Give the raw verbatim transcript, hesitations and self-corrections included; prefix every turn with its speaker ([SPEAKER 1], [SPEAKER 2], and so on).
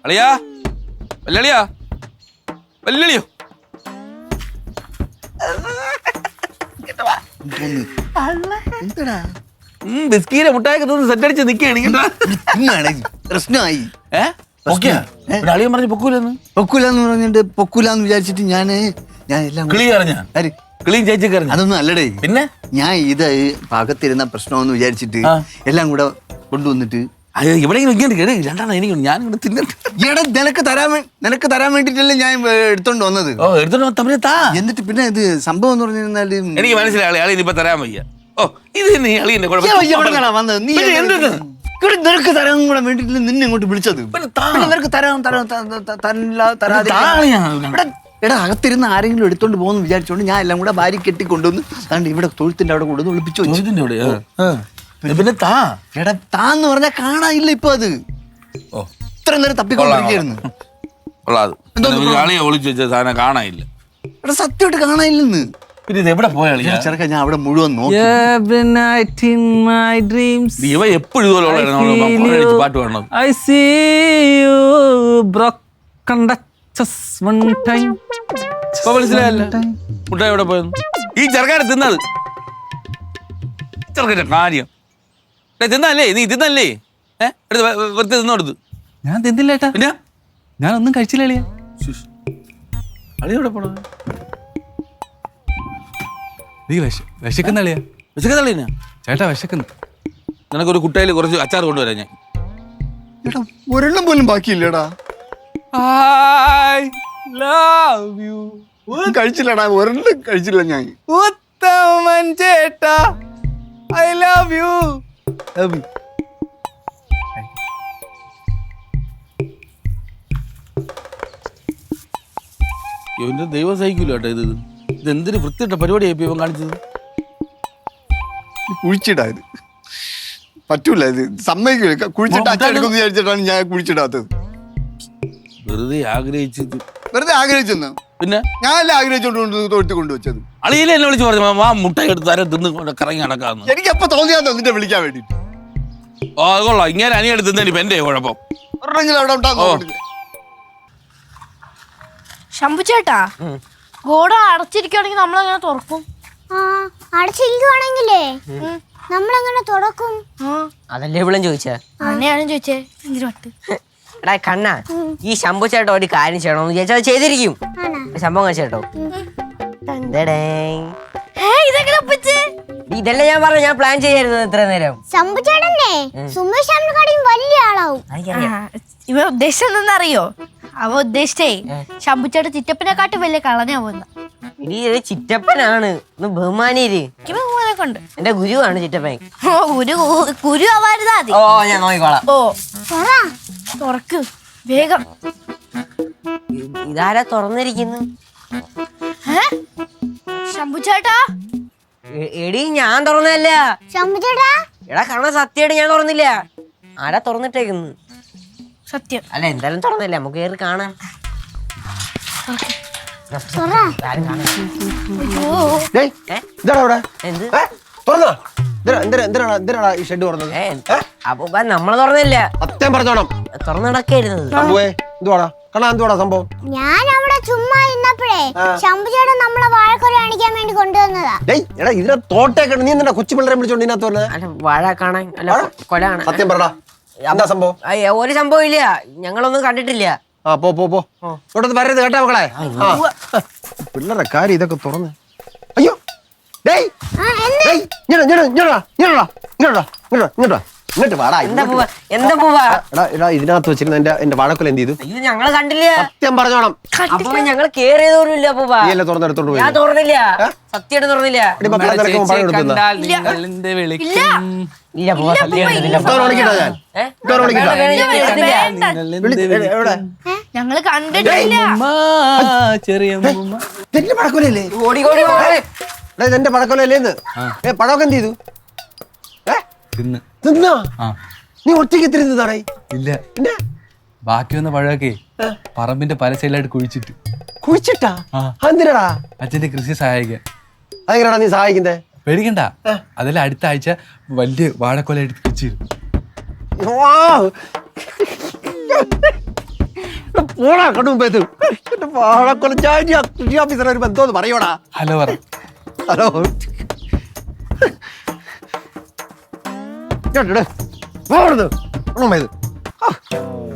[SPEAKER 1] അളിയാ വല്ലളിയാ വല്ലളിയോ ബിസ്കീരെ മുട്ടായൊക്കെ തോന്നുന്നു സെറ്റ് അടിച്ച് നിൽക്കുകയാണ്
[SPEAKER 2] പ്രശ്നമായി
[SPEAKER 1] അളിയൻ പറഞ്ഞു പൊക്കൂലെന്ന്
[SPEAKER 2] പൊക്കൂലെന്ന് പറഞ്ഞിട്ട് പൊക്കൂലെന്ന് വിചാരിച്ചിട്ട് ഞാന് ഞാൻ എല്ലാം
[SPEAKER 1] കിളി അറിഞ്ഞ കിളിയും ചേച്ചി കറിഞ്ഞ
[SPEAKER 2] അതൊന്നും അല്ലടേ.
[SPEAKER 1] പിന്നെ
[SPEAKER 2] ഞാൻ ഇത് പാകത്തിരുന്ന പ്രശ്നമെന്ന് വിചാരിച്ചിട്ട് എല്ലാം കൂടെ കൊണ്ടുവന്നിട്ട്
[SPEAKER 1] ഇവിടെ രണ്ടാണ് എനിക്ക് ഞാൻ ഇവിടെ തിന്നിട്ട്
[SPEAKER 2] ഇവിടെ നിനക്ക് തരാൻ നിനക്ക് തരാൻ വേണ്ടിട്ടല്ലേ ഞാൻ എടുത്തോണ്ട് വന്നത്.
[SPEAKER 1] ഓ എടുത്തോണ്ട് തമ്മിൽ താ.
[SPEAKER 2] എന്നിട്ട് പിന്നെ ഇത് സംഭവം എന്ന് പറഞ്ഞിരുന്നാല്
[SPEAKER 1] എനിക്ക് മനസ്സിലായി അളി ഇനിയിപ്പോ തരാൻ വയ്യ. ഓ ഇത് നീ അളിയന്റെ
[SPEAKER 2] വന്നത് നീ ഇവിടെ നിനക്ക് തരാൻ കൂടെ വേണ്ടിട്ടില്ല നിന്നെ ഇങ്ങോട്ട് വിളിച്ചത്. നിനക്ക് തരാൻ തരാൻ എടാ അകത്തിരുന്ന് ആരെങ്കിലും എടുത്തോണ്ട് പോകുന്നു വിചാരിച്ചോണ്ട് ഞാൻ എല്ലാം കൂടെ ഭാര്യ കെട്ടി കൊണ്ടുവന്ന് അതുകൊണ്ട് ഇവിടെ തൊഴുത്തിന്റെ അവിടെ കൊണ്ടുവന്ന് ഒളിപ്പിച്ചു വെച്ചു.
[SPEAKER 1] പിന്നെ താ
[SPEAKER 2] എടാ താന്ന് പറഞ്ഞാൽ കാണാനില്ല ഇപ്പൊ അത്. ഓ ഇത്ര നേരം തപ്പിക്കൊണ്ടിരിക്കുന്നു.
[SPEAKER 1] ഒളിച്ചു വെച്ച സാധനം കാണാനില്ല.
[SPEAKER 2] എടാ സത്യമായിട്ട് കാണാനില്ലെന്ന്.
[SPEAKER 1] പിന്നെ ഇത് എവിടെ പോയാ
[SPEAKER 2] ചെറുക്ക ഞാൻ അവിടെ മുഴുവൻ നോക്കി.
[SPEAKER 1] എപ്പോഴും പാട്ട് പാടണം. മനസ്സിലായല്ല മുട്ടായി എവിടെ പോയെന്ന്. ഈ ചെറുക്കാരെ തിന്നത് ചെറുക്കന്റെ കാര്യം തിന്നല്ലേ നീ തിന്നല്ലേ ഏഹ് വെറുതെ തിന്നോടുത്ത്.
[SPEAKER 3] ഞാൻ തിന്നില്ല ഏട്ടാ.
[SPEAKER 1] പിന്നെ
[SPEAKER 3] ഞാൻ ഒന്നും കഴിച്ചില്ല അളിയ.
[SPEAKER 1] അളിയ എവിടെ പോണ
[SPEAKER 3] നീ വിശ വിശക്കുന്ന അളിയ.
[SPEAKER 1] വിശക്കുന്ന അളിയ
[SPEAKER 3] ചേട്ടാ വിശക്കുന്നു.
[SPEAKER 1] നിനക്കൊരു കുട്ടയിൽ കുറച്ച് അച്ചാർ കൊണ്ടുവരാം ഞാൻ.
[SPEAKER 2] ഒരെണ്ണം പോലും ബാക്കിയില്ലടാ. കഴിച്ചില്ലടാ ഒരെണ്ണം കഴിച്ചില്ല ഞാൻ.
[SPEAKER 3] ഉത്തമൻ ചേട്ടാ ഐ ലവ് യു.
[SPEAKER 1] ഇവന്റെ ദൈവം സഹിക്കൂല കേട്ടോ. ഇത് ഇത് എന്തൊരു വൃത്തിയിട്ട പരിപാടിയായി ഇവൻ കാണിച്ചത്.
[SPEAKER 2] കുഴിച്ചിടാ ഇത് പറ്റൂല. ഇത് സമ്മതിക്കൂല. കുഴിച്ചിട്ട് അച്ഛനെടുക്കുന്നു വിചാരിച്ചിട്ടാണ് ഞാൻ കുഴിച്ചിടാത്തത്.
[SPEAKER 1] വെറുതെ ആഗ്രഹിച്ചത്
[SPEAKER 2] വെറുതെ ആഗ്രഹിച്ചെന്ന്.
[SPEAKER 1] പിന്നെ
[SPEAKER 2] ഞാനല്ല ആഗ്രഹിച്ചോണ്ട് തൊഴുത്തി കൊണ്ടുവച്ചത്.
[SPEAKER 1] അളിയിലെ എന്നെ വിളിച്ച് പറഞ്ഞു ആ മുട്ട എടുത്ത് തരം തിന്ന് കറങ്ങി നടക്കാന്ന്.
[SPEAKER 2] എനിക്ക് എപ്പോ തോന്നിയാന്നോ നിന്റെ വിളിക്കാൻ വേണ്ടിട്ട്.
[SPEAKER 1] ഓ അത് കൊള്ളാം. ഇങ്ങനെ അനിയെടുത്ത് തിന്നേനി ഇപ്പൊ എന്റെ കുഴപ്പം.
[SPEAKER 2] ഒരെണ്ണെങ്കിലും അവിടെ ഉണ്ടാകും.
[SPEAKER 4] ശംഭു ചേട്ടാ ഗോഡ അടച്ചിരിക്കുകയാണെങ്കിൽ നമ്മളെങ്ങനെ തുറക്കും?
[SPEAKER 5] ആ അടച്ചിരിക്കുവാണെങ്കിലേ നമ്മളെങ്ങനെ തുറക്കും?
[SPEAKER 6] അതല്ലേ ഇവിടെ ചോദിച്ചേ.
[SPEAKER 4] അങ്ങനെയാണ് ചോദിച്ചേ. എന്തിനോട്ട്
[SPEAKER 6] എടാ കണ്ണ ഈ ശംഭു ചേട്ടോ ഒരു കാര്യം ചെയ്യണമെന്ന് വിചാരിച്ചാൽ അത് ചെയ്തിരിക്കും. സംഭവം കഴിച്ചേട്ടോ ഇതല്ലേ ഞാൻ പറഞ്ഞു. ഞാൻ പ്ലാൻ ചെയ്യായിരുന്നു ഇത്ര നേരം.
[SPEAKER 5] ശംഭു ചേട്ടനെ സുമേഷ് വലിയ ആളാവും.
[SPEAKER 4] ഇവ ഉദ്ദേശം എന്തെന്നറിയോ? അവ ഉദ്ദേശിച്ചേ ശംഭു ചേട്ടൻ ചിറ്റപ്പനെക്കാട്ടും വലിയ കളനാവുന്ന.
[SPEAKER 6] ഇനി ചിറ്റപ്പനാണ് ബഹുമാനീര്.
[SPEAKER 4] കൊണ്ട്
[SPEAKER 6] എന്റെ ഗുരുവാണ് ചിറ്റപ്പൻ.
[SPEAKER 4] ഓ ഗുരു ഗുരു ആവാരുതാ മതി.
[SPEAKER 6] ഓ ഞാൻ നോക്കിക്കോളാം.
[SPEAKER 4] ഓ തുറക്ക് വേഗം.
[SPEAKER 6] ഇതാരാ തുറന്നിരിക്കുന്നു?
[SPEAKER 4] ശംഭു ചേട്ടാ.
[SPEAKER 6] എടി ഞാൻ തുറന്നല്ല.
[SPEAKER 5] ശംഭു ചേട്ടാ
[SPEAKER 6] എടാ കണ്ണ സത്യമായിട്ട് ഞാൻ തുറന്നില്ല. ആരാ തുറന്നിട്ടേക്കുന്നു?
[SPEAKER 4] സത്യം
[SPEAKER 6] അല്ല എന്തായാലും തുറന്നില്ല. നമുക്ക് കയറി കാണാം. നമ്മള് തുറന്നില്ല. തുറന്നു നടക്കായിരുന്നത്.
[SPEAKER 5] ഞാൻ അവിടെ ചുമ്മാ ഇരുന്നപ്പോഴേ ശംഭു ചേട്ടൻ നമ്മളെ വാഴക്കൊല കാണിക്കാൻ വേണ്ടി കൊണ്ടുവന്നതാ.
[SPEAKER 2] ഇതിനെ തോട്ടേക്കണ്ട. നീ എന്താ കൊച്ചു പിള്ളേരെ വിളിച്ചോണ്ട് ഇതിനകത്ത്
[SPEAKER 6] വാഴ കാണാൻ അല്ല കൊല കാണാൻ.
[SPEAKER 2] സത്യം പറടാ എന്താ സംഭവം?
[SPEAKER 6] ഒരു സംഭവം ഇല്ല. ഞങ്ങളൊന്നും കണ്ടിട്ടില്ല.
[SPEAKER 2] ആ പോ പോ പോ ഇങ്ങോട്ടൊന്ന് വരരുത് കേട്ടാ മക്കളെ. പിള്ളേരുടെ കാര്യം ഇതൊക്കെ തുറന്ന്. അയ്യോ ഡേയ് ഇങ്ങോട്ട് വാടാ. ഇതിനകത്ത് വെച്ചിരുന്ന എന്റെ എന്റെ വാഴക്കൊല എന്ത് ചെയ്തു?
[SPEAKER 6] ഞങ്ങള് കണ്ടില്ല.
[SPEAKER 2] സത്യം പറഞ്ഞോണം.
[SPEAKER 6] അപ്പൊ ഞങ്ങള് കേറിയതോന്നുമില്ല.
[SPEAKER 2] നീയല്ലേ തുറന്നെടുത്തോണ്ട് പോയി?
[SPEAKER 6] ഞാൻ തുറന്നില്ല. സത്യമായിട്ട് തുറന്നില്ല.
[SPEAKER 4] ഞങ്ങള് കണ്ടിട്ടില്ല.
[SPEAKER 2] എന്റെ പടക്കൊലല്ലേ?
[SPEAKER 6] ഓടി ഓടി
[SPEAKER 2] എന്റെ പടക്കൊലല്ലേന്ന്. ഏ പടമൊക്കെ എന്ത് ചെയ്തു? തിന്നാ നീ ഒറ്റയ്ക്ക് തിരുന്നതാണേ?
[SPEAKER 3] ഇല്ല ബാക്കി വന്ന പഴമൊക്കെ പറമ്പിന്റെ പല സൈഡിലായിട്ട് കുഴിച്ചിട്ട്.
[SPEAKER 2] കുഴിച്ചിട്ടാ? എന്തിനാടാ?
[SPEAKER 3] അച്ഛന്റെ കൃഷി സഹായിക്കാൻ.
[SPEAKER 2] അതെങ്ങനെയാടാ നീ സഹായിക്കുന്നേ?
[SPEAKER 3] പേടിക്കണ്ട. അതെല്ലാം അടുത്ത ആഴ്ച വലിയ വാഴക്കൊലയായിട്ട് കുഴിച്ചിരുന്നു.
[SPEAKER 7] ഓടാ കണ്ണു മുമ്പേ ഇത് എന്റെ വാഴക്കൊലച്ചാരി കൃഷി ഓഫീസർ ഒരു ബന്ധമെന്ന് പറയോടാ.
[SPEAKER 3] ഹലോ പറ.
[SPEAKER 7] ഹലോ കേട്ടോ കണ്ണു മുമ്പേ ഇത്